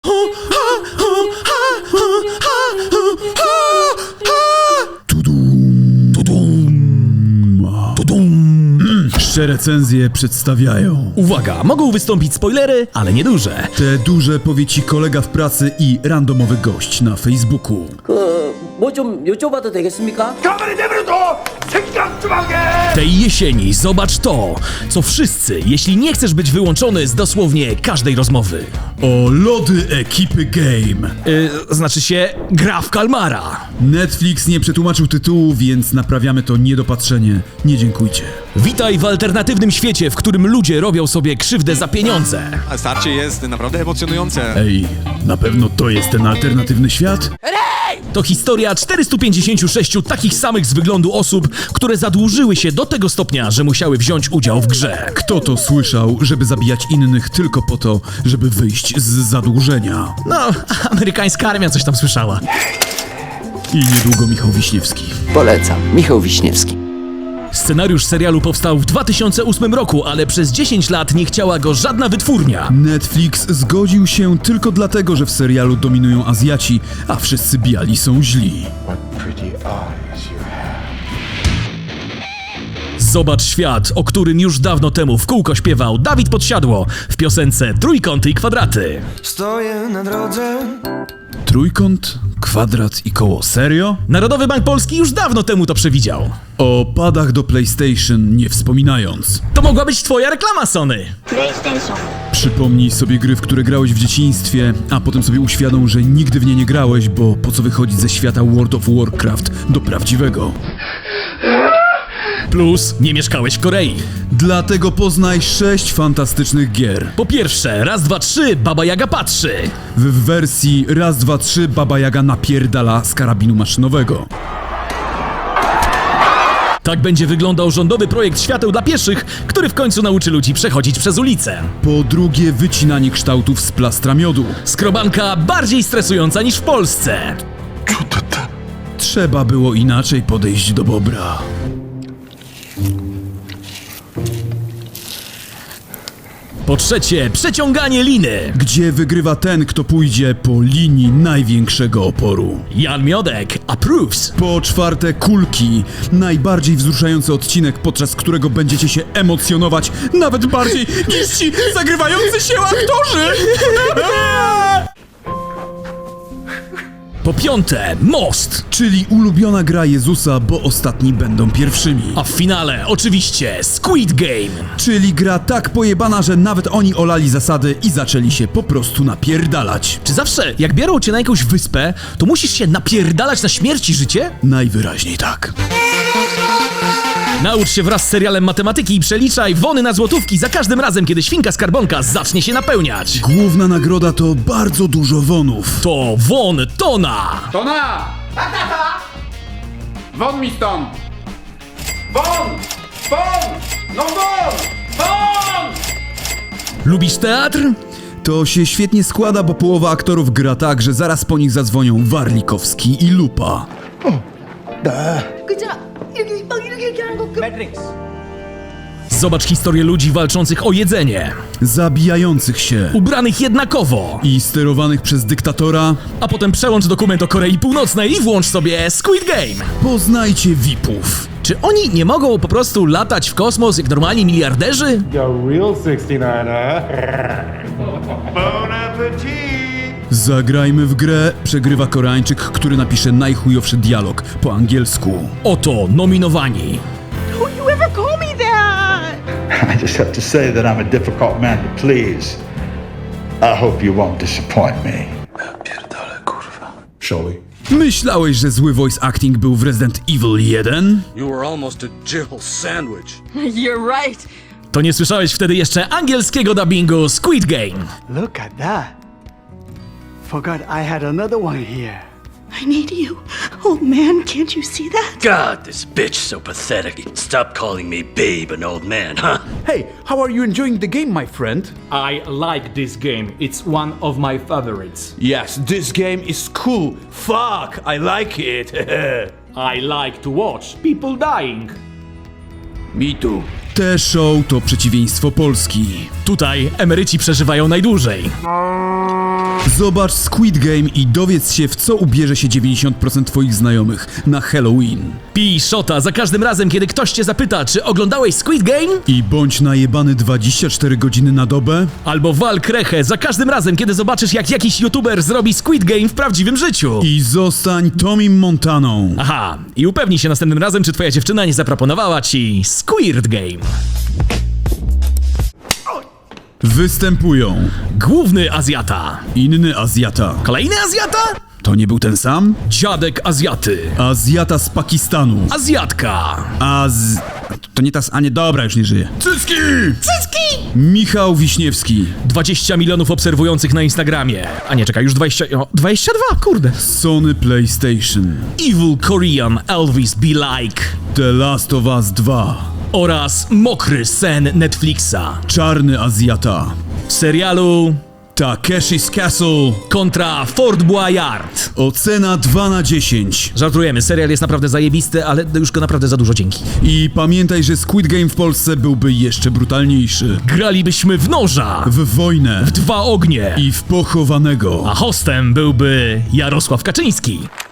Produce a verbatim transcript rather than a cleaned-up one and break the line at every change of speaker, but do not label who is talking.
Pierwsze recenzje przedstawiają.
Uwaga, mogą wystąpić spoilery, ale nieduże.
Te duże powie ci kolega w pracy i randomowy gość na Facebooku.
뭐 좀 여쭤봐도 되겠습니까?
가만히 내버려둬! 생각 좀 하게!
Tej jesieni zobacz to, co wszyscy, jeśli nie chcesz być wyłączony z dosłownie każdej rozmowy.
O lody ekipy Game.
Yy, znaczy się, gra w kalmara.
Netflix nie przetłumaczył tytułu, więc naprawiamy to niedopatrzenie. Nie dziękujcie.
Witaj w alternatywnym świecie, w którym ludzie robią sobie krzywdę za pieniądze.
A starcie jest naprawdę emocjonujące.
Ej, na pewno to jest ten alternatywny świat?
To historia czterystu pięćdziesięciu sześciu takich samych z wyglądu osób, które zadłużyły się do tego stopnia, że musiały wziąć udział w grze.
Kto to słyszał, żeby zabijać innych tylko po to, żeby wyjść z zadłużenia?
No, amerykańska armia coś tam słyszała.
I niedługo Michał Wiśniewski.
Polecam. Michał Wiśniewski.
Scenariusz serialu powstał w dwa tysiące ósmym roku, ale przez dziesięć lat nie chciała go żadna wytwórnia.
Netflix zgodził się tylko dlatego, że w serialu dominują Azjaci, a wszyscy biali są źli.
Zobacz świat, o którym już dawno temu w kółko śpiewał Dawid Podsiadło w piosence Trójkąty i kwadraty.
Stoję na drodze.
Trójkąt, kwadrat i koło. Serio?
Narodowy Bank Polski już dawno temu to przewidział.
O padach do PlayStation nie wspominając.
To mogła być twoja reklama, Sony.
PlayStation.
Przypomnij sobie gry, w które grałeś w dzieciństwie, a potem sobie uświadom, że nigdy w nie nie grałeś, bo po co wychodzić ze świata World of Warcraft do prawdziwego?
Plus, nie mieszkałeś w Korei.
Dlatego poznaj sześć fantastycznych gier.
Po pierwsze, raz, dwa, trzy, Baba Jaga patrzy.
W wersji raz, dwa, trzy Baba Jaga napierdala z karabinu maszynowego.
Tak będzie wyglądał rządowy projekt świateł dla pieszych, który w końcu nauczy ludzi przechodzić przez ulicę.
Po drugie wycinanie kształtów z plastra miodu.
Skrobanka bardziej stresująca niż w Polsce.
Trzeba było inaczej podejść do bobra.
Po trzecie, przeciąganie liny.
Gdzie wygrywa ten, kto pójdzie po linii największego oporu.
Jan Miodek approves.
Po czwarte, kulki. Najbardziej wzruszający odcinek, podczas którego będziecie się emocjonować nawet bardziej niż ci zagrywający się aktorzy.
Po piąte, most.
Czyli ulubiona gra Jezusa, bo ostatni będą pierwszymi.
A w finale, oczywiście, Squid Game.
Czyli gra tak pojebana, że nawet oni olali zasady i zaczęli się po prostu napierdalać.
Czy zawsze, jak biorą cię na jakąś wyspę, to musisz się napierdalać na śmierć i życie?
Najwyraźniej tak.
Naucz się wraz z serialem matematyki i przeliczaj wony na złotówki za każdym razem, kiedy świnka skarbonka zacznie się napełniać.
Główna nagroda to bardzo dużo wonów.
To won tona.
Tona! Won mi stąd! Won! Won! No won! Won!
Lubisz teatr?
To się świetnie składa, bo połowa aktorów gra tak, że zaraz po nich zadzwonią Warlikowski i Lupa.
그잖아. 이렇게 막 이렇게 이렇게 하는 거. 그...
Zobacz historię ludzi walczących o jedzenie,
Zabijających się
ubranych jednakowo,
i sterowanych przez dyktatora.
a potem przełącz dokument o Korei Północnej i włącz sobie Squid Game.
Poznajcie V I P-ów.
Czy oni nie mogą po prostu latać w kosmos jak normalni miliarderzy?
Yo, real sixty-nine, huh?
Bon appetit!
Zagrajmy w grę. Przegrywa Koreańczyk, który napisze najchujowszy dialog po angielsku.
Oto nominowani.
Don't you ever call me that?
I just have to say that I'm a difficult man to please. I hope you won't disappoint me.
Myślałeś, że zły voice acting był w Resident Evil jeden?
You were almost a Jill sandwich.
You're right.
To nie słyszałeś wtedy jeszcze angielskiego dubbingu Squid Game.
Look at that. Forgot I had another one here.
I need you. Old man, can't you see that?
God, this bitch so pathetic. Stop calling me babe and old man, huh?
Hey, how are you enjoying the game, my friend?
I like this game. It's one of my favorites.
Yes, this game is cool. Fuck, I like it.
I like to watch people dying.
Me too.
Te show to przeciwieństwo Polski.
Tutaj emeryci przeżywają najdłużej.
Zobacz Squid Game i dowiedz się, w co ubierze się dziewięćdziesiąt procent twoich znajomych na Halloween.
Pij szota za każdym razem, kiedy ktoś cię zapyta, czy oglądałeś Squid Game?
I bądź najebany dwadzieścia cztery godziny na dobę.
Albo wal krechę za każdym razem, kiedy zobaczysz, jak jakiś youtuber zrobi Squid Game w prawdziwym życiu.
I zostań Tomim Montaną.
Aha, i upewnij się następnym razem, czy twoja dziewczyna nie zaproponowała ci Squid Game.
Występują
Główny Azjata.
inny Azjata.
Kolejny Azjata?
To nie był ten sam?
Dziadek Azjaty.
Azjata z Pakistanu.
Azjatka.
Az... To nie ta... A nie, dobra, już nie żyje. Cycki!
Cycki!
Michał Wiśniewski.
dwadzieścia milionów obserwujących na Instagramie. A nie, czekaj, już dwadzieścia... O, dwadzieścia dwa, kurde.
Sony PlayStation.
Evil Korean Elvis Be Like.
The Last of Us dwa.
Oraz Mokry sen Netflixa.
Czarny Azjata.
W serialu
Takeshi's Castle.
kontra Fort Boyard.
Ocena dwa na dziesięć.
Żartujemy, serial jest naprawdę zajebisty, ale już go naprawdę za dużo dzięki.
I pamiętaj, że Squid Game w Polsce byłby jeszcze brutalniejszy.
Gralibyśmy w noża,
W wojnę.
w dwa ognie,
I w pochowanego.
a hostem byłby Jarosław Kaczyński.